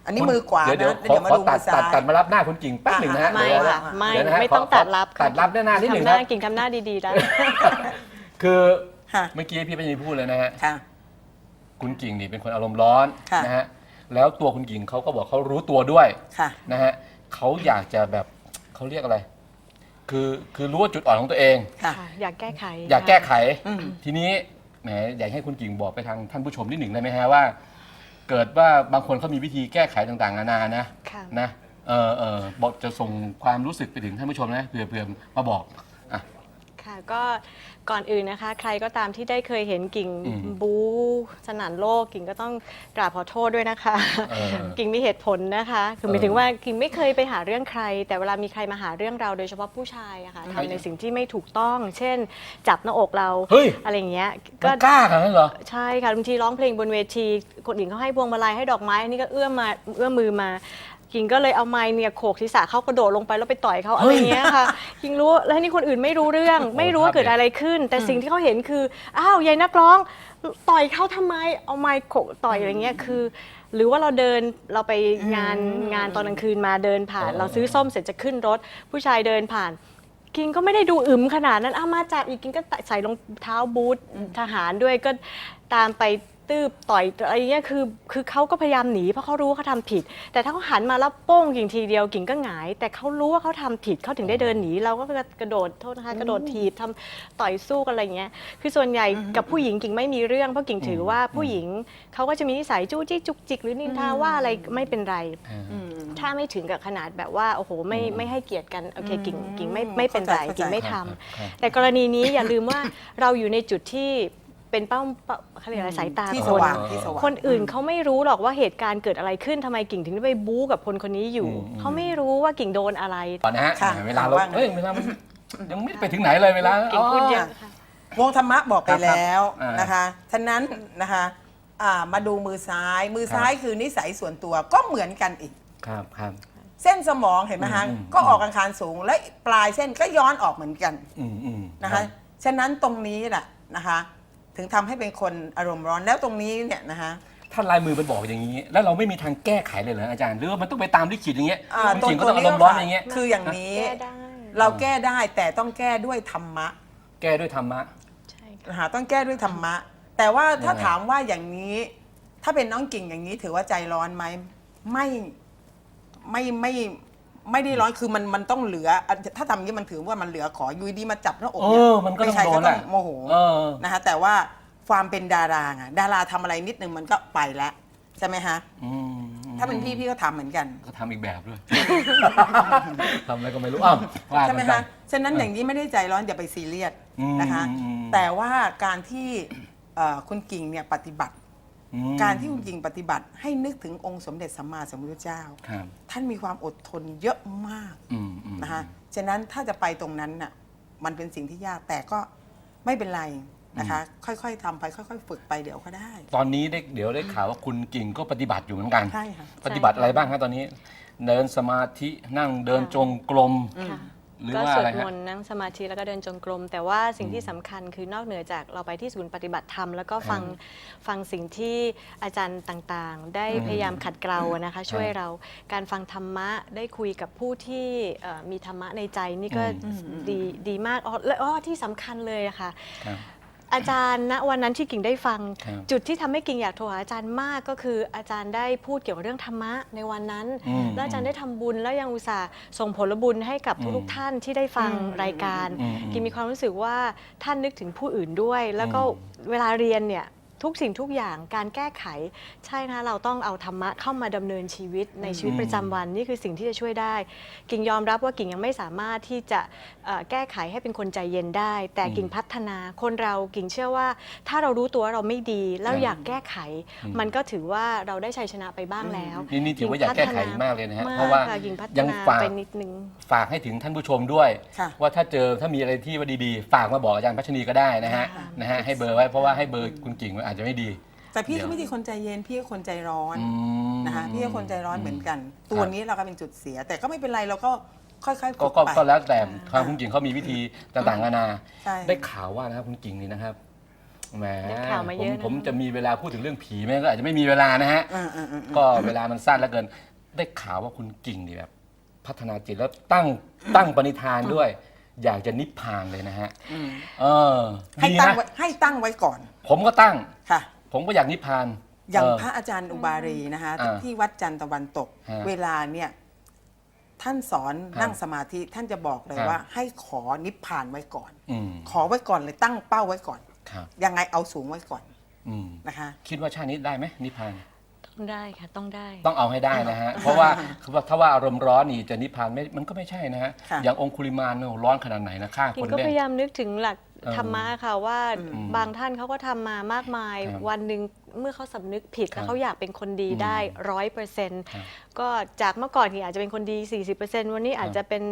อันนี้มือขวานะเดี๋ยวเดี๋ยวมาขอดูตัมืดอซ้ายตัดมารับหน้าคุณกิ่งแป๊บหนึ่งนะฮะไม่เดี๋ยวค่ะไม่เดี๋ยวนะฮะไม่ต้องขตัดรับตัดรับหน้านิดหนึ่งทำหคน้ารับกิ่งทำหน้าดีๆได้คือค่ะเมื่อกี้พี่ปัญญาพูดเลยนะฮะค่ะคุณกิ่งนี่เป็นคนอารมณ์ร้อนค่ะนะฮะแล้วตัวคุณกิ่งเขาก็บอกเขารู้ตัวด้วยค่ะนะฮะเขาอยากจะแบบเขาเรียกอะไร คือรู้ว่าจุดอ่อนของตัวเองค่ะค่ะอยากแก้ไขอยากแก้ไขอืมทีนี้แหมอยากให้คุณกิ่งบอกไปทางท่านผู้ชมนิดหนึ่งได้ไหมฮะว่า เกิดว่าบางคนเขามีวิธีแก้ไขต่างๆนานานะค่ะนะบอกจะส่งความรู้สึกไปถึงท่านผู้ชมนะเผื่อมาบอกอ่ะค่ะก็ก่อนอื่นนะคะ ใครก็ตามที่ได้เคยเห็นกิ่งอืมบูสนั่นโลกกิ่งก็ต้องกราบขอโทษด้วยนะคะเออกิ่งมีเหตุผลนะคะคือหมายถึงว่ากิ่งไม่เคยไปหาเรื่องใคร แต่เวลามีใครมาหาเรื่องเราโดยเฉพาะผู้ชายอะค่ะทำในสิ่งที่ไม่ถูกต้อง เช่น จับหน้าอกเราเฮ้ยอะไรอย่างเงี้ยก็กล้าขนาดนั้นเหรอใช่ค่ะบางทีร้องเพลงบนเวทีคนอื่นเขาให้พวงมาลัยให้ดอกไม้อันนี้ก็เอื้อมมือมากิ่งก็เลยเอาไม้เนี่ยโขกศีรษะเขากระโดดลงไปแล้วไปต่อยเขาอะไรเงี้ยค่ะกิ่งรู้แล้วนี่คนอื่นไม่รู้เรื่อง ไม่รู้ว่าเกิดอะไรขึ้น แต่สิ่งที่เขาเห็นคืออ้าวยายนักร้องต่อยเขาทำไมเอาไม้โขกต่อยอะไรเงี้ยคือ หรือว่าเราไปงานตอนกลางคืนมาเดินผ่าน เราซื้อส้มเสร็จจะขึ้นรถ ผู้ชายเดินผ่าน กิงก็ไม่ได้ดูอึมขนาดนั้นมาจับอีกกิงก็ใส่รองเท้าบูททหารด้วยก็ตามไปตืบต่อยอะไรเงี้ยคือเขาก็พยายามหนีเพราะเขารู้ว่าเขาทำผิด แต่ถ้าเขาหันมาแล้วโป้งกิ่งทีเดียวกิ่งก็หงาย แต่เขารู้ว่าเขาทำผิดเขาถึงได้เดินหนีเราก็กระโดดโทษนะคะกระโดดถีบทำต่อยสู้กันอะไรเงี้ยคือส่วนใหญ่กับผู้หญิงกิ่งไม่มีเรื่องเพราะกิ่งถือว่าผู้หญิงเขาก็จะมีนิสัยจู้จี้จุกจิกหรือนินทาว่าอะไรไม่เป็นไร ถ้าไม่ถึงกับขนาดแบบว่าโอ้โหไม่ให้เกียรติกันโอเคกิ่งไม่เป็นไรเข้าใจกิ่งไม่ทำครับแต่กรณีนี้อย่าลืมว่าเราอยู่ในจุดที่เป็นเป้าเขาเรียกอะไรสายตาที่คสนว่างที่สว่างคนอื่นเขาไม่รู้หรอกว่าเหตุการณ์เกิดอะไรขึ้นทำไมกิ่งถึงได้ไปบู๊กับคนนี้อยู่ เขาไม่รู้ว่ากิ่งโดนอะไรก่อนนะฮะค่ะเวลาเราว่าไงเวลามันยังไม่ไปถึงไหนเลยเวลากิ่งพูดเยอะค่ะวงธรรมะบอกไปแล้วครับนะคะฉะนั้นนะคะมาดูมือซ้าย มือซ้ายคือนิสัยส่วนตัวก็เหมือนกันอีกครับครับเส้นสมองเห็นไหมคะ ก็ออกอังคารสูง และปลายเส้นก็ย้อนออกเหมือนกัน นะคะฉะนั้นตรงนี้แหละนะคะถึงทำให้เป็นคนอารมณ์ร้อนแล้วตรงนี้เนี่ยนะคะถ้าลายมือมันบอกอย่างนี้ แล้วเราไม่มีทางแก้ไขเลยเหรออาจารย์หรือว่ามันต้องไปตามลิขิตอย่างเงี้ยคุณกิ่งก็ต้องอารมณ์ร้อนอย่างเงี้ยคืออย่างนี้แก้ได้เราแก้ได้แต่ต้องแก้ด้วยธรรมะแก้ด้วยธรรมะใช่ค่ะนะคะต้องแก้ด้วยธรรมะ แต่ว่าถ้ายังไงถามว่าอย่างนี้ ถ้าเป็นน้องกิ่งอย่างนี้ถือว่าใจร้อนไหมไม่ไม่ได้ร้อนคือมันต้องเหลือ ถ้าทำอย่างนี้มันถือว่ามันเหลือขออยู่ดีมาจับหน้าอกเนี่ยมันก็ต้องใครโดก็นต้แหองละโมโหเออนะคะแต่ว่าความเป็นดาราไงดาราทำอะไรนิดนึงมันก็ไปแล้วใช่ไหมฮะอืมถ้าเป็นพี่ก็ทำเหมือนกันก็ทำอีกแบบด้วย ทำอะไรก็ไม่รู้อ้าวว่าใช่ไหมกัคะนฉะนั้นอย่างนี้ไม่ได้ใจร้อนอย่าไปซีเรียสอืมนะคะอืมแต่ว่าการที่คุณกิ่งเนี่ยปฏิบัติอืมการที่คุณกิ่งปฏิบัติให้นึกถึงองค์สมเด็จสัมมาสัมพุทธเจ้าครับท่านมีความอดทนเยอะมากอืมนะคะฉะนั้นถ้าจะไปตรงนั้นน่ะมันเป็นสิ่งที่ยากแต่ก็ไม่เป็นไรนะคะ ค่อยๆทำไปค่อยๆฝึกไปเดี๋ยวก็ได้ตอนนี้เดี๋ยวได้ข่าวว่าคุณกิ่งก็ปฏิบัติอยู่เหมือนกันใช่ค่ะปฏิบัติอะไรบ้างครับตอนนี้ เดินสมาธินั่งเดินจงกรมค่ะหรือก็ว่าสอะวไรดมฮะนต์นั่งสมาธิแล้วก็เดินจงกรม แต่ว่าสิ่งที่สำคัญคือนอกเหนือจากเราไปที่ศูนย์ปฏิบัติธรรมแล้วก็ฟังสิ่งที่อาจารย์ต่างๆ ได้พยายามขัดเกลานะคะ ช่วยเราการฟังธรรมะได้คุยกับผู้ที่มีธรรมะในใจนี่ก็ดีมากและที่สำคัญเลยอะค่ะครับอาจารย์ณวันนั้นที่กิ่งได้ฟังครับจุดที่ทำให้กิ่งอยากโทรหาอาจารย์มากก็คืออาจารย์ได้พูดเกี่ยวกับเรื่องธรรมะในวันนั้น แล้วอาจารย์ได้ทำบุญแล้วยังอุตส่าห์ส่งผลบุญให้กับทุกๆท่านที่ได้ฟังรายการ กิ่งมีความรู้สึกว่าท่านนึกถึงผู้อื่นด้วย แล้วก็เวลาเรียนเนี่ยทุกสิ่งทุกอย่างการแก้ไขใช่นะเราต้องเอาธรรมะเข้ามาดำเนินชีวิตในชีวิตประจำวันนี่คือสิ่งที่จะช่วยได้ กิ่งยอมรับว่ากิ่งยังไม่สามารถที่จะแก้ไขให้เป็นคนใจเย็นได้ แต่กิ่งพัฒนาคนเรากิ่งเชื่อว่า ถ้าเรารู้ตัวว่าเราไม่ดีแล้วอยากแก้ไข มันก็ถือว่าเราได้ชัยชนะไปบ้างแล้วนี่ถือว่าอยากแก้ไขมากเลยนะฮะมเพราะว่าค่ะกิ่งพัฒยังนาฝากไปนิดนึงฝากให้ถึงท่านผู้ชมด้วยค่ะว่าถ้ามีอะไรที่ว่าดีๆ ฝากมาบอกอาจารย์พัชนีก็ได้นะฮะค่ะนะฮะให้เบอร์ไว้เพราะว่าให้เบอร์คุณกิ่งไว้อาจจะไม่ดีแต่พี่เดี๋ก็ยวไม่ใช่คนใจเย็นพี่ก็คนใจร้อนอืมนะคะพี่ก็คนใจร้อนเหมือนกัน ตัวนี้เราก็เป็นจุดเสีย แต่ก็ไม่เป็นไรเราก็ค่อยๆฝึก็กก็ไปก็แล้วแต่ทางคุณกิ่งเขามีวิธีต่างๆนานาใช่ได้ข่าวว่านะครับคุณกิ่งนี่นะครับแหมได้ข่าวมาเยอะนะผมจะมีเวลาพูดถึงเรื่องผีไหมก็อาจจะไม่มีเวลานะฮะ ก็เวลามันสั้นเหลือเกิน ได้ข่าวว่าคุณกิ่งนี่แบบพัฒนาจิตแล้วตั้งปณิธานด้วย อยากจะนิพพานเลยนะฮะเออให้ดีตั้งนะไว้ให้ตั้งไว้ก่อนผมก็ตั้งค่ะผมก็อยากนิพพานอย่างพระอาจารย์อุบารีนะคะอ่าที่วัดจันทร์ตะวันตกฮะเวลาเนี่ยท่านสอนครับนั่งสมาธิท่านจะบอกเลยครับว่า ให้ขอนิพพานไว้ก่อนอืมขอไว้ก่อนเลยตั้งเป้าไว้ก่อนครับยังไงเอาสูงไว้ก่อนอืมนะคะคิดว่าชาตินี้ได้ไหมนิพพานต้องได้ค่ะต้องได้ต้องเอาให้ได้นะฮะ เพราะว่าถ้าว่าอารมณ์ร้อนนี่จะนิพพานไม่มันก็ไม่ใช่นะฮะค่ะอย่างองคุลิมานเนี่ยร้อนขนาดไหนนะฆ่ากิคน นก็เล่พนยายามนึกถึงหลักเออธรรมะค่ะว่าอืมบางท่านเขาก็ทำมามากมายครับวันหนึ่งเมื่อเขาสำนึกผิดครับแล้วเขาอยากเป็นคนดีอืมได้ครับ 100%ก็จากเมื่อก่อนที่อาจจะเป็นคนดี 40%วันนี้อาจจะเป็น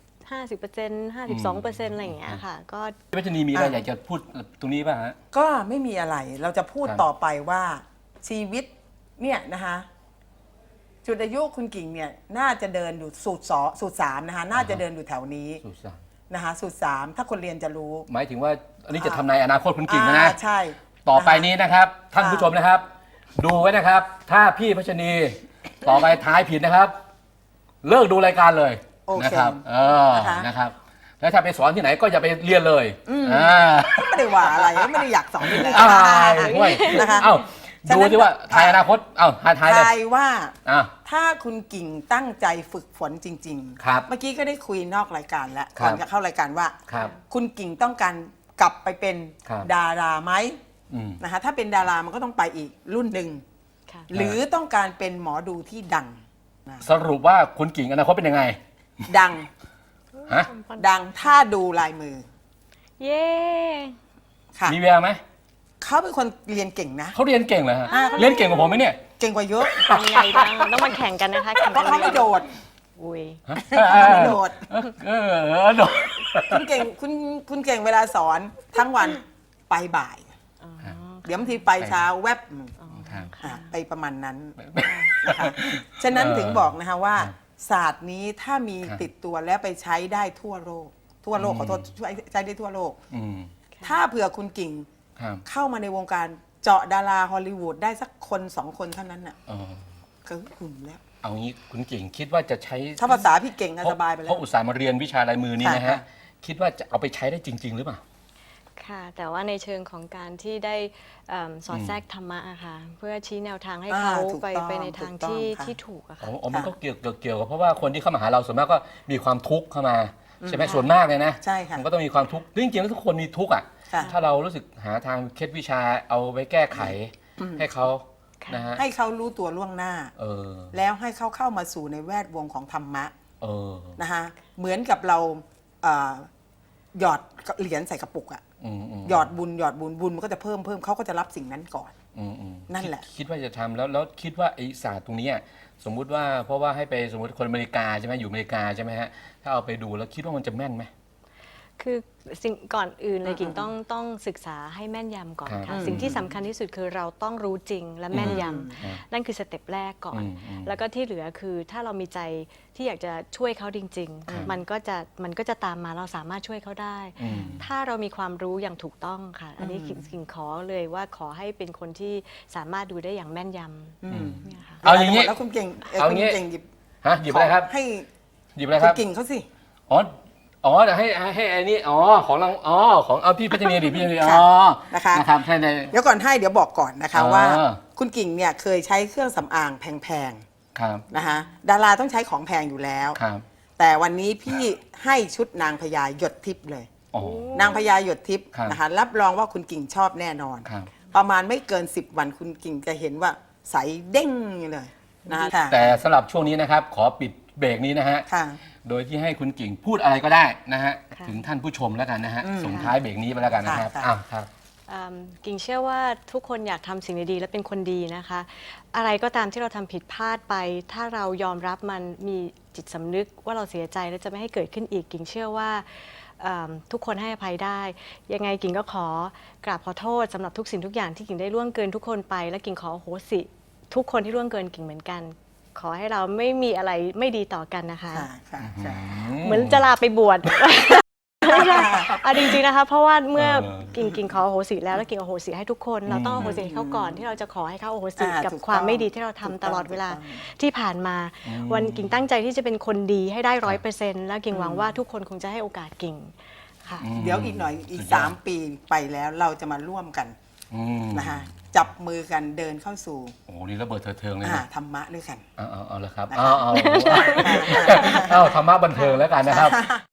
50% 52%อะไรอย่างเงี้ยค่ะ ก็พี่พัชนีมีอะไรอยากจะพูดตรงนี้ป่ะฮะก็ไม่มีอะไรเราจะพูดครับต่อไปว่าชีวิตเนี่ยนะคะจุดอายุคุณกิ่งเนี่ยน่าจะเดินอยู่สูตรสามนะคะน่าจะเดินอยู่แถวนี้สุสานนะคะสูตรสามถ้าคนเรียนจะรู้หมายถึงว่าอันนี้จะทำนายอนาคตคุณกิ่งนะใช่ต่อไปะคะนี้นะครับ ท่านผู้ชมนะครับ ดูไว้นะครับ ถ้าพี่พัชนีต่อไปท้ายผิดนะครับ เลิกดูรายการเลยโอเคนะครับนะคะนะครับ แล้วถ้าไปสอนที่ไหนก็อย่าไปเรียนเลยาไม่ได้ว่าอะไรไม่ได้อยากสอนอยู่แล้วอ้าวห่วยนะคะเอ้าฉะดูนั้นที่ว่าทายอนาคตเอ้าทายเลยทายว่าอ่ะถ้าคุณกิ่งตั้งใจฝึกฝนจริงครับเมื่อกี้ก็ได้คุยนอกรายการแล้วครับก่อนจะเข้ารายการว่าครับคุณกิ่งต้องการกลับไปเป็นครับดาราไหมอืมนะคะถ้าเป็นดารามันก็ต้องไปอีกรุ่นหนึ่งค่ะหรือต้องการเป็นหมอดูที่ดังนะสรุปว่าคุณกิ่งอนาคตเป็นยังไงดังฮะดังถ้าดูลายมือเย้ค่ะมีแววไหมเขาเป็นคนเรียนเก่งนะเขาเรียนเก่งเหรอฮะเขาเรียนเก่งกว่าผมไหมเนี่ยเก่งกว่าเยอะเป็นไงบ้างต้องมาแข่งกันนะคะแข่งเพกัราะเขาไม่โดดอุ้ยเขาไม่โดดโดดคุณเก่งคุณเก่งเวลาสอนทั้งวันไปบ่าย เดี๋ยวบางทีไปเช้าแวบครับไปประมาณนั้นนะคะฉะนั้นถึงบอกนะคะว่า ศาสตร์นี้ถ้ามีครับติดตัวแล้วไปใช้ได้ทั่วโลก ทั่วโลกอืมขอโทษใช้ได้ทั่วโลกอืมถ้าเผื่อคุณกิ่งครับเข้ามาในวงการเจาะดาราฮอลลีวูดได้สักคนสองคนเท่านั้นน่ะเออก็หุ่นแล้วเอางี้คุณกิ่งคิดว่าจะใช้ถ้าภาษาพี่เก่งอะสบายไปแล้เพวราะอุตส่าห์มาเรียนวิชาลายมือนี่นะค่ะฮะ คิดว่าจะเอาไปใช้ได้จริง ๆ หรือเปล่าค่ะ แต่ว่าในเชิงของการที่ได้สอดแทรกธรรมะอะค่ะ เพื่อชี้แนวทางให้เขาถูกไปต้องไปในทางถูกต้องที่ค่ะที่ถูกอะอ๋ค่ะอมันก็เกี่ยวกับเพราะว่าคนที่เข้ามาหาเราส่วนมากก็มีความทุกข์เข้ามาใช่ไหมส่วนมากเลยนะใช่ค่ะมันก็ต้องมีความทุกข์จริงๆแล้วทุกคนมีทุกข์อ่ะค่ะถ้าเรารู้สึกหาทางเคล็ดวิชาเอาไว้แก้ไขให้เขาค่ะนะฮะให้เขารู้ตัวล่วงหน้าเออแล้วให้เขาเข้ามาสู่ในแวดวงของธรรมะเออนะคะเหมือนกับเราหยอดเหรียญใส่กระปุกอะมหยอดบุญบุญมันก็จะเพิ่มเขาก็จะรับสิ่งนั้นก่อนอืมนั่นแหละคิดว่าจะทำแล้วคิดว่าไอ้ศาสตร์ตรงเนี้ยสมมุติว่าเพราะว่าให้ไปสมมติคนอเมริกาใช่ไหมอยู่อเมริกาใช่ไหมฮะถ้าเอาไปดูแล้วคิดว่ามันจะแม่นไหมคือสิ่งก่อนอื่นเลยกิ่งต้องศึกษาให้แม่นยำก่อนครัค่ะบสิ่งที่สำคัญที่สุดคือเราต้องรู้จริงและแม่นยอืมำนั่นคือสเต็ปแรกก่อนอืมแล้วก็ที่เหลือคือถ้าเรามีใจที่อยากจะช่วยเขาจริงครับๆ มันก็จะตามมาเราสามารถช่วยเขาได้อืมถ้าเรามีความรู้อย่างถูกต้องค่ะ อันนี้กิ่งขอเลยว่าขอให้เป็นคนที่สามารถดูได้อย่างแม่นยำเนี่ยค่ะเอาอย่างนี้นี้แล้วคุณเก่งเอาอคุณย่างงี้เก่งหยิบฮะหยิบอะไรครับให้หยิบอะไรคคุรัณบกิ่งเขาสิอ๋อเดี๋ยวให้ไอ้นี่ของเราของเอาพี่พัชนีดิพี่พัชนีค่ะอ๋อนะคะนะครับใช่ในเดี๋ยวก่อนให้เดี๋ยวบอกก่อนนะคะอ๋อว่าคุณกิ่งเนี่ยเคยใช้เครื่องสำอางแพงครับๆนะคะดาราต้องใช้ของแพงอยู่แล้วครับแต่วันนี้พี่ให้ชุดนางพญาหยดทิพย์เลยอ๋อนางพญาหยดทิพย์ครับนะคะรับรองว่าคุณกิ่งชอบแน่นอนครับประมาณไม่เกิน 10 วันคุณกิ่งจะเห็นว่าใสเด้งเลยนะคะค่ะแต่สำหรับช่วงนี้นะครับ ขอปิดเบรกนี้นะฮะค่ะโดยที่ให้คุณกิ่งพูดอะไรก็ได้นะฮะค่ะถึงท่านผู้ชมแล้วกันนะฮะอืมส่งท้ายเบรกนี้ไปแล้วกันนะครับค่ะอ้าวครับกิ่งเชื่อว่าทุกคนอยากทำสิ่งดีๆและเป็นคนดีนะคะ อะไรก็ตามที่เราทำผิดพลาดไป ถ้าเรายอมรับมันมีจิตสำนึกว่าเราเสียใจและจะไม่ให้เกิดขึ้นอีก กิ่งเชื่อว่าทุกคนให้อภัยได้ ยังไงกิ่งก็ขอกราบขอโทษสำหรับทุกสิ่งทุกอย่างที่กิ่งได้ล่วงเกินทุกคนไป และกิ่งขออโหสิทุกคนที่ล่วงเกินกิ่งเหมือนกัน ขอให้เราไม่มีอะไรไม่ดีต่อกันนะคะค่ะค่ะค่ะเหมือนจะลาไปบวชไม่ใช่จริงๆนะคะเพราะว่าเมื่อเออกิ่งขออโหสิแล้วกิ่งอโหสิให้ทุกคนเราต้องอโหสิให้เขาก่อนที่เราจะขอให้เขาอโหสิกับถูกต้องความไม่ดีที่เราทำตลอดเวลาที่ผ่านมา วันกิ่งตั้งใจที่จะเป็นคนดีให้ได้100%แล้วกิ่งหวังว่าทุกคนคงจะให้โอกาสกิ่งค่ะเดี๋ยวอีกหน่อยอีกสุดยอด 3 ปีไปแล้วเราจะมาร่วมกันอืมนะคะจับมือกันเดินเข้าสู่โอ้โหนี่ระเบิดเถิดเทิงเลยนะธรรมะด้วยกันเอาเลยครับนะคะเอาธรรมะบันเทิงแล้วกันนะครับ